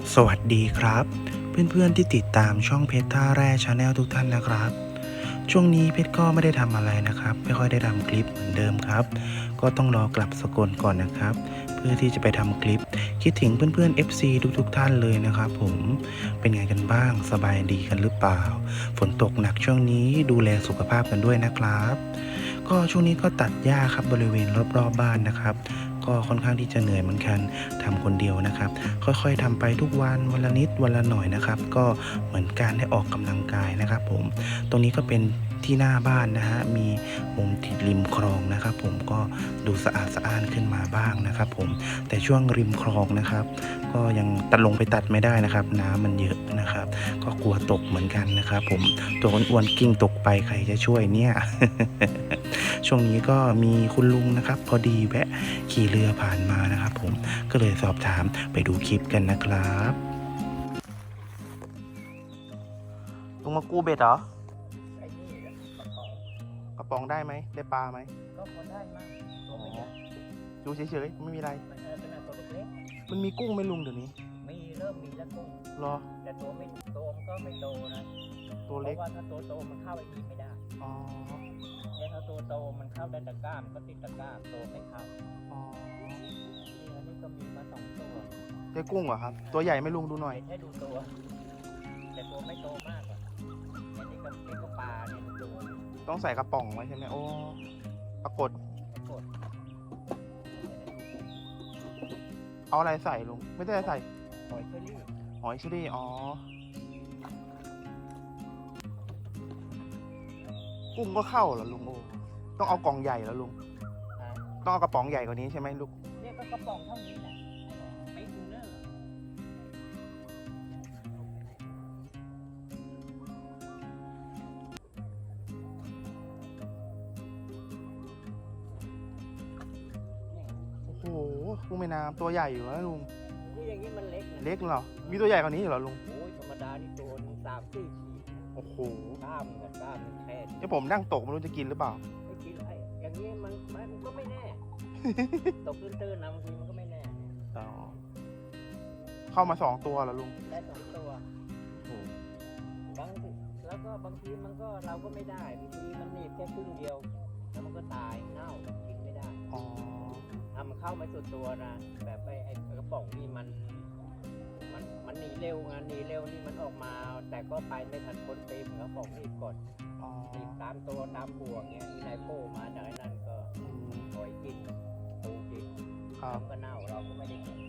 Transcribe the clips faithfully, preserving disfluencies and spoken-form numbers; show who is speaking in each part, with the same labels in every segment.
Speaker 1: สวัสดีครับเพื่อนๆที่ติดตามช่องเพชรท่าแร่ชาแนลทุกท่านนะครับช่วงนี้เพชรก็ไม่ได้ทำอะไรนะครับไม่ค่อยได้ทำคลิปเหมือนเดิมครับก็ต้องรอกลับสกลก่อนนะครับเพื่อที่จะไปทำคลิปคิดถึงเพื่อนๆ เอฟ ซี ทุกๆท่านเลยนะครับผมเป็นไงกันบ้างสบายดีกันหรือเปล่าฝนตกหนักช่วงนี้ดูแลสุขภาพกันด้วยนะครับก็ช่วงนี้ก็ตัดหญ้าครับบริเวณรอบๆ บบ้านนะครับก็ค่อนข้างที่จะเหนื่อยเหมือนกันทำคนเดียวนะครับค่อยๆทำไปทุกวันวันละนิดวันละหน่อยนะครับก็เหมือนการได้ออกกำลังกายนะครับผมตรงนี้ก็เป็นที่หน้าบ้านนะฮะมีมุมติดริมคลองนะครับผมก็ดูสะอาดสะอ้านขึ้นมาบ้างนะครับผมแต่ช่วงริมคลองนะครับก็ยังตัดลงไปตัดไม่ได้นะครับน้ำมันเยอะนะครับก็กลัวตกเหมือนกันนะครับผมตัวอ้วนๆกิ้งตกไปใครจะช่วยเนี่ย ช่วงนี้ก็มีคุณลุงนะครับพอดีแวะขี่เรือผ่านมานะครับผมก็เลยสอบถามไปดูคลิปกันนะครับลุงมากู้เบ็ดเหรอ
Speaker 2: ไอ้นี่กระป๋อง
Speaker 1: กระป๋องได้ไหมได้ปลาไหม
Speaker 2: ก็พอได้มั่งตัวไม่ใหญ่
Speaker 1: ดูเฉยๆไม่มีอะไร
Speaker 2: มันเออขนาดตัวเล็ก
Speaker 1: มันมีกุ้งไหม่ลุงเดี๋ยวนี้
Speaker 2: ๆมีเริ่มมีแล้วกุ้ง
Speaker 1: รอ
Speaker 2: แต่ตัวไม่โตมันก็ไม่โตนะ
Speaker 1: ตัว
Speaker 2: เพ
Speaker 1: เล็ก
Speaker 2: ราะว่าถ้าตัวโตมันเข้าไอ้นี่ไม่ได้
Speaker 1: อ๋อ
Speaker 2: เนี่ยถ้าตัวโตมันเข้าได้ตะกร้ามนก็ติดตะกร้ามโตไม่เข้า
Speaker 1: อ๋อ
Speaker 2: นี่อันนี้ก็มีมาสองตัว
Speaker 1: ได้กุ้งเหรอครับตัวใหญ่ไหม่ลุงดูหน่อย
Speaker 2: ให้ดูตัว แต่ตัวไม่โตมากอ่ะอันนี้ก็เป็นก็ปลาเนี่ยดูตัว
Speaker 1: ต้องใส่กระป๋องไว้ใช่ไหมโอ้ปรากฏ
Speaker 2: กด
Speaker 1: เอาอะไรใส่ลุงไม่ได้ใส่
Speaker 2: หอยเชอรี่
Speaker 1: หอยเชอรี่อ๋อกุ้งก็เข้าเหรอลุงโอ้ต้องเอากล่องใหญ่แล้วลุง
Speaker 2: อ่า
Speaker 1: ต้องเอากระป๋องใหญ่กว่านี้ใช่ไหมลูก
Speaker 2: เนี่ยก็กระป๋องเท่านี้แหละไม่ดูเนอร์
Speaker 1: โอ้โหกุ้งแม่น้ำตัวใหญ่อยู่นะลุง
Speaker 2: นี่อย่างนี้มันเล็กนะ
Speaker 1: เล็กเหรอมีตัวใหญ่กว่านี้เหรอลุง
Speaker 2: โอ้ยธรรมดานี่ตัวหนึงสามสี่ขีด
Speaker 1: โอ้โห
Speaker 2: กล้ามกับกล้ามมันแค่นี้
Speaker 1: เดี๋ยวผมนั่งตกไม่รู้จะกินหรือเปล่า
Speaker 2: ไม่กินไอ้อย่างนี้มันมันก็ไม่แน่ ตกตื้นๆนะบางทีมันก็ไม่แน่
Speaker 1: อ๋อเข้ามาสองตัวเหรอลุง
Speaker 2: ได้สองตัว
Speaker 1: โอ้โห
Speaker 2: บางทีแล้วก็บางทีมันก็เราก็ไม่ได้บางทีมันหนีบแค่ครึ่งเดียว แล้วมันก็ตายเน่ากินไม่ได้
Speaker 1: อ๋อ
Speaker 2: ถ้ามันเข้าไม่สุดตัวนะแบบไอ้ไอ้กระป๋องนี่มันมันมันหนีเร็วไงหนีเร็วนี่มันออกมา แต่ก็ไปไม่ทันพ้นปีมกระป๋องนี่กด
Speaker 1: อ๋อ
Speaker 2: หนีบตามตัวตามบ่วงเงี้ยมีนายโป้มาจากไอ้นั่นก็
Speaker 1: อืม
Speaker 2: ปล่อยกินตูกิน
Speaker 1: ครับ
Speaker 2: มันก็เน่าเราก็ไม่ได้กิน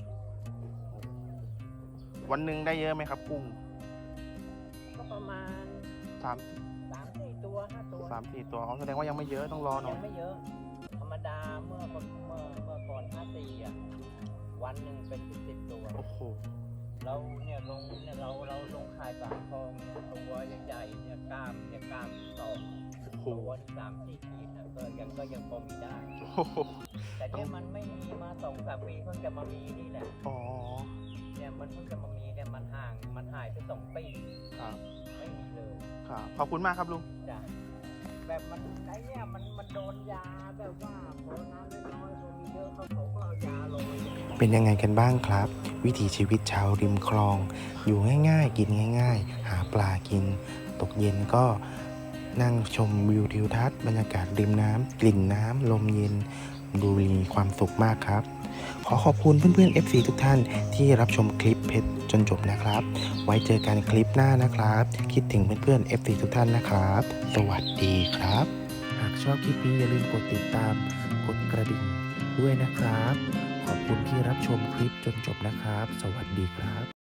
Speaker 1: วันหนึ่งได้เยอะไหมครับกุ้ง
Speaker 2: ก็ประมาณ
Speaker 1: สาม
Speaker 2: สามสี่ตัวห้าตัว
Speaker 1: สามสี่ตัวอ๋อแสดงว่ายังไม่เยอะต้องรอหน่อ
Speaker 2: ยั
Speaker 1: ย
Speaker 2: งไม่เยอะ ธรรมดาเมื่อก่อนเมื่อเมื่อก่อนห้าสี่อ่ะวันหนึ่งเป็นสิบสิบตัว
Speaker 1: โอ้โห
Speaker 2: เราเนี่ยลงเนี่ยเราเราลงขายปากคลองเนี่ยตัวใหญ่ๆเนี่ยกล้ามเนี่ยกล้ามสอง
Speaker 1: โอ้โห
Speaker 2: ตัวนี่สามสี่ขีดนะก็ยังก็ยังพอมีได้
Speaker 1: โอ้โห
Speaker 2: แต่เนี่ยมันไม่มีมาสองสามปีเพิ่งจะมามีนี่แหละ
Speaker 1: อ๋อ
Speaker 2: เนี่ยมันเพิ่งจะมามีเนี่ยมันห่างมันหายไปสองปี
Speaker 1: ครับ
Speaker 2: ไม่มีเลย
Speaker 1: ครับขอบคุณมากครับลุง
Speaker 2: จ้ะแบบมันไอ้เนี่ยมันมันโดนยาแบบว่าพอน้ำน้อยๆพอมีเยอะเขาเขาก็เอายาลง
Speaker 1: เป็นยังไงกันบ้างครับ วิถีชีวิตชาวริมคลอง อยู่ง่ายๆ กินง่ายๆ หาปลากิน ตกเย็นก็นั่งชมวิวทิวทัศน์บรรยากาศริมน้ำกลิ่นน้ำลมเย็นดูมีความสุขมากครับ ขอขอบคุณเพื่อนๆ เอฟ ซี ทุกท่านที่รับชมคลิปเพชรจนจบนะครับ ไว้เจอกันคลิปหน้านะครับ คิดถึงเพื่อนๆ เอฟ ซี ทุกท่านนะครับ สวัสดีครับ หากชอบคลิปนี้อย่าลืมกดติดตาม กดกระดิ่งด้วยนะครับ ขอบคุณที่รับชมคลิปจนจบนะครับ สวัสดีครับ